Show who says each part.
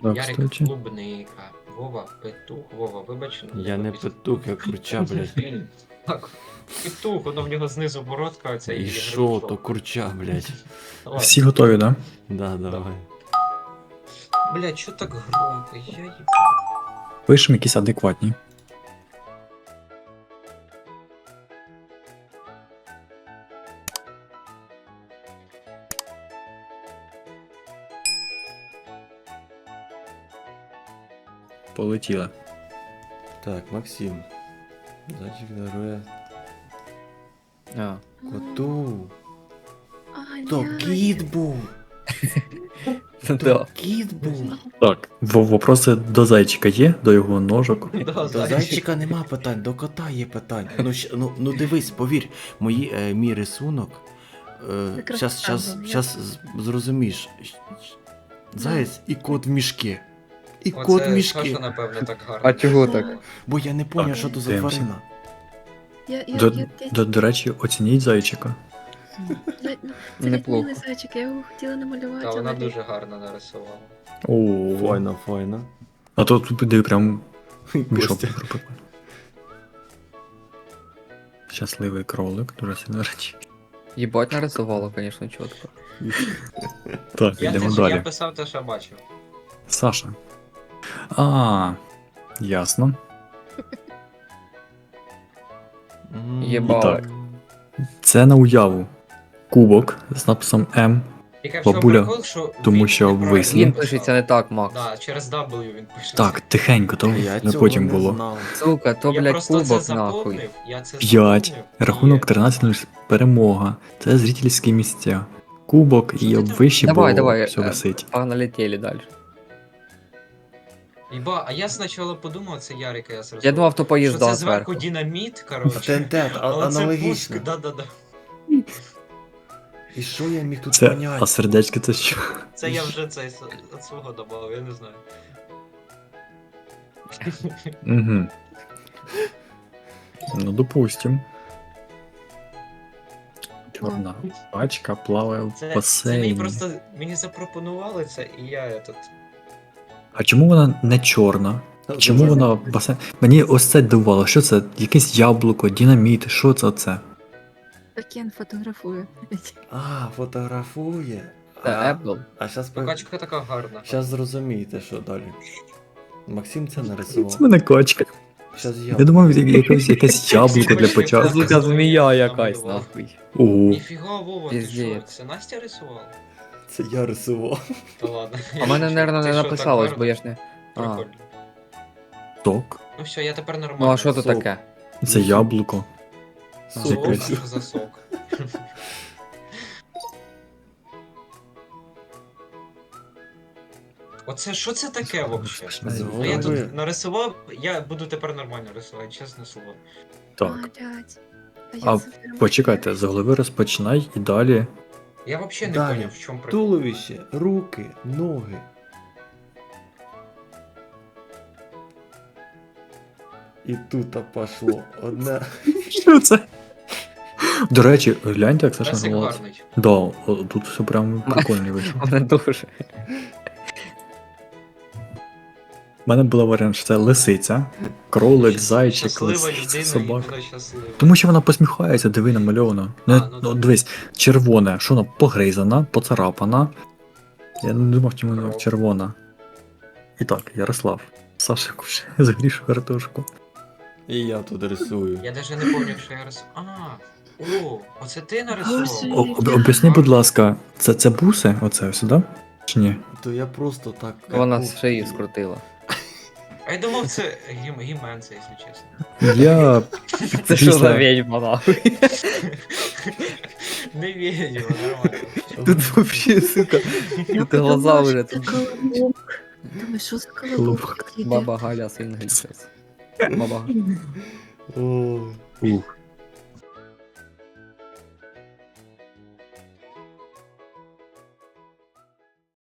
Speaker 1: Так,
Speaker 2: Ярик
Speaker 1: кстати.
Speaker 2: клубника. Вова петух. Вова, вибач.
Speaker 3: Я не петух, я курча, блядь.
Speaker 2: Так, петух, воно в нього знизу бородка, оця
Speaker 3: І
Speaker 2: і
Speaker 3: що,
Speaker 2: грибушок.
Speaker 3: то курча, блядь.
Speaker 2: Ладно.
Speaker 1: Всі готові, да?
Speaker 3: Да, давай.
Speaker 2: Блядь, що так громко? Я їб...
Speaker 1: Пишемо якісь адекватні. Полетіли.
Speaker 3: Так, Максим. Зайчик дарує
Speaker 4: А.
Speaker 3: коту.
Speaker 5: Ай,
Speaker 3: То
Speaker 5: блядь.
Speaker 3: кіт був.
Speaker 4: Да.
Speaker 3: То кіт був.
Speaker 1: Так, вопроси до зайчика є, до його ножок.
Speaker 2: Да,
Speaker 3: До зайчика нема питань, до кота є питань. Ну дивись, повір, мій рисунок.
Speaker 5: Якраз
Speaker 3: Щас
Speaker 5: так був,
Speaker 3: зрозумієш. Заєць і кот в мішки. І
Speaker 2: Оце
Speaker 3: кот в мішки.
Speaker 2: Саша, напевно, так гарно.
Speaker 4: А чого так?
Speaker 3: Бо я не поняв,
Speaker 1: Так,
Speaker 3: що то за
Speaker 1: дивимося.
Speaker 3: тварина.
Speaker 1: До речі, оцініть зайчика.
Speaker 5: Це
Speaker 4: Неплохо.
Speaker 5: відмінний зайчик, я його хотіла намалювати.
Speaker 2: Та вона
Speaker 5: але
Speaker 2: дуже гарно нарисувала.
Speaker 1: О,
Speaker 3: Файно, файно.
Speaker 1: а то тут де прям мішок
Speaker 3: Костя.
Speaker 1: пропекли. Щасливий кролик, дуже сильно речі.
Speaker 4: Єбать нарисувала, конечно, чітко.
Speaker 1: Так,
Speaker 2: Я,
Speaker 1: йдемо
Speaker 2: я
Speaker 1: далі.
Speaker 2: писав те, що бачив.
Speaker 1: Саша. Ясно.
Speaker 4: Єбать.
Speaker 1: Так. Це на уяву. Кубок з написом М,
Speaker 2: Тільки в чому
Speaker 1: Бабуля,
Speaker 2: прикол, що
Speaker 1: тому
Speaker 2: він
Speaker 1: що
Speaker 2: неправильно
Speaker 1: обвисло.
Speaker 4: Він
Speaker 2: написав.
Speaker 4: пишеться не так, Макс.
Speaker 2: Да, через W він пишеться.
Speaker 1: Так, тихенько, то
Speaker 3: Я
Speaker 1: не
Speaker 3: цього
Speaker 1: потім
Speaker 3: не
Speaker 1: було.
Speaker 3: знав.
Speaker 4: Сука, то,
Speaker 2: Я
Speaker 4: блядь,
Speaker 2: просто це
Speaker 4: кубок нахуй.
Speaker 2: заповнив. Я це
Speaker 1: 5.
Speaker 2: заповнив.
Speaker 1: Рахунок
Speaker 2: І-
Speaker 1: 13 перемога. Це зрительські місця. Кубок
Speaker 2: Що
Speaker 1: і
Speaker 2: ти
Speaker 1: обвище,
Speaker 4: Давай,
Speaker 1: бо
Speaker 4: давай,
Speaker 1: все висить.
Speaker 4: Погналетели далі.
Speaker 2: Іба, а я спочатку подумав, це Ярика, я зрозумів.
Speaker 4: Я думав, то
Speaker 2: що
Speaker 4: поїзда
Speaker 2: це зверху
Speaker 4: зверху.
Speaker 2: динаміт, коротше.
Speaker 3: ТНТ,
Speaker 2: Але це
Speaker 3: аналогічно.
Speaker 2: пуск, да-да-да.
Speaker 3: І що я міг тут
Speaker 1: Це,
Speaker 3: поняти?
Speaker 1: а сердечки це що?
Speaker 2: Це я вже цей від свого добавив, я не знаю.
Speaker 1: Угу. Ну, допустим. Чорна пачка плаває в
Speaker 2: Це мені
Speaker 1: басейні.
Speaker 2: просто мені запропонували це, і я тут.
Speaker 1: А чому вона не чорна? Чому вона в басейн? Мені ось це дивувало. Що це? Якесь яблуко, динаміт, що це оце?
Speaker 5: Кен фотографує.
Speaker 3: А, фотографує.
Speaker 4: Це Apple.
Speaker 3: А зараз
Speaker 2: Качка така гарна.
Speaker 3: Щас зрозумієте, що далі. Максим це
Speaker 1: Це
Speaker 3: нарисував.
Speaker 1: мене качка.
Speaker 3: Щас я.
Speaker 1: Я думав, якесь яблуко для початку.
Speaker 4: Сука, змія якась нахуй.
Speaker 1: Ого.
Speaker 2: Ніфіга, Вова, ти що?
Speaker 4: Піздець.
Speaker 2: Це Настя рисувала?
Speaker 3: Це я рисував.
Speaker 2: Та ладно.
Speaker 4: А в мене, наверное,
Speaker 2: Ти
Speaker 4: не
Speaker 2: що, так
Speaker 4: написалось,
Speaker 2: гарно?
Speaker 4: бо я ж не. А.
Speaker 2: Прикольно.
Speaker 1: Ток.
Speaker 2: Ну все, я тепер нормально.
Speaker 4: Ну а що то
Speaker 3: Сок.
Speaker 4: таке?
Speaker 1: Це яблуко.
Speaker 2: Сок?
Speaker 1: Якесь.
Speaker 2: Що за сок? Оце що це таке взагалі? Ну, я
Speaker 3: Зробили.
Speaker 2: тут нарисував, я буду тепер нормально рисувати, чесне слово.
Speaker 1: Так.
Speaker 5: Блядь.
Speaker 1: А
Speaker 5: я це прям-
Speaker 1: почекайте, з голови розпочинай і далі.
Speaker 2: Я взагалі не
Speaker 3: Далі.
Speaker 2: поняв, в чому прикол.
Speaker 3: Туловище, руки, ноги. І тут пошло одне.
Speaker 1: Що це? До речі, гляньте, як Саша
Speaker 2: Песик
Speaker 1: голос.
Speaker 2: гарний.
Speaker 1: Да, тут все прям прикольно вийшло.
Speaker 4: Мене дуже.
Speaker 1: У мене була варіант, що це лисиця, кролик, зайчик,
Speaker 2: Щаслива
Speaker 1: лисиця,
Speaker 2: людина, і
Speaker 1: собака.
Speaker 2: вона щаслива.
Speaker 1: Тому що вона посміхається, диви намальовано. Ну,
Speaker 2: ну
Speaker 1: ну
Speaker 2: да.
Speaker 1: дивись, червоне, що вона погризана, поцарапана. Я не думав, чому вона
Speaker 2: Кров.
Speaker 1: червона. І так, Ярослав. Саша кушає загрішу картошку.
Speaker 3: І я тут рисую.
Speaker 2: Я навіть не пам'ятаю, що я рисував. О, оце ти нарисував?
Speaker 5: Боже.
Speaker 1: Об'ясни, будь ласка, це буси? Оце сюди? Чи ні?
Speaker 3: То я просто так.
Speaker 4: Вона з шиї скрутила.
Speaker 2: А я думав, це гімен, це, якщо чесно.
Speaker 1: Я
Speaker 4: Це що за відьма нахуй?
Speaker 2: Не відео, нормально.
Speaker 4: Тут вообще, сука.
Speaker 5: Я
Speaker 4: Тут глаза
Speaker 5: подумала,
Speaker 4: вже
Speaker 5: що
Speaker 4: тут.
Speaker 5: це колобок. Думаю, що за колобок?
Speaker 1: Колобок.
Speaker 4: Баба Галя сингл щось. Баба.
Speaker 3: Ой.
Speaker 1: Ух.